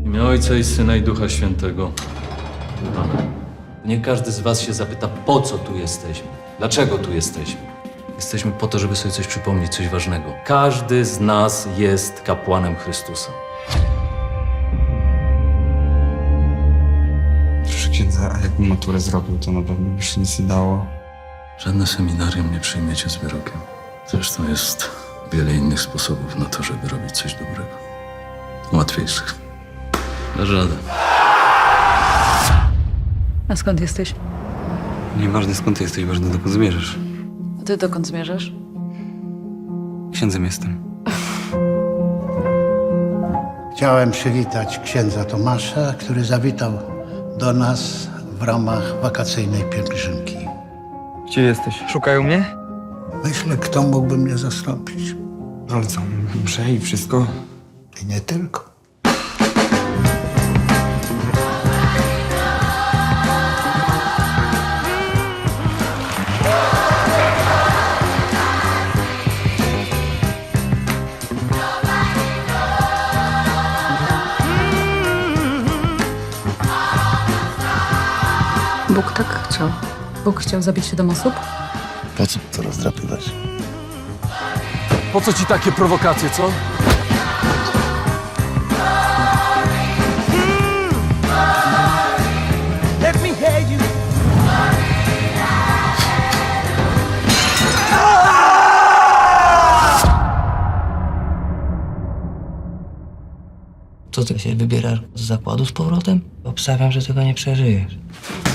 W imię Ojca i Syna i Ducha Świętego. Amen. Nie każdy z was się zapyta, po co tu jesteśmy? Dlaczego tu jesteśmy? Jesteśmy po to, żeby sobie coś przypomnieć, coś ważnego. Każdy z nas jest kapłanem Chrystusa. Proszę księdza, a jakbym maturę zrobił, to na pewno by się nic nie dało. Żadne seminarium nie przyjmiecie z wyrokiem. Zresztą jest wiele innych sposobów na to, żeby robić coś dobrego. Łatwiejszych. Dasz radę. A skąd jesteś? Nieważne skąd jesteś, ważne dokąd zmierzasz. A ty dokąd zmierzasz? Księdzem jestem. Chciałem przywitać księdza Tomasza, który zawitał do nas w ramach wakacyjnej pielgrzymki. Gdzie jesteś? Szukają mnie? Myślę, kto mógłby mnie zastąpić. Ale co, mszę i wszystko? I nie tylko. Bóg tak chciał. Bóg chciał zabić 7 osób? Po co to rozdrapywać? Po co ci takie prowokacje, co? Co ty się wybierasz z zakładu z powrotem? Obstawiam, że tego nie przeżyjesz.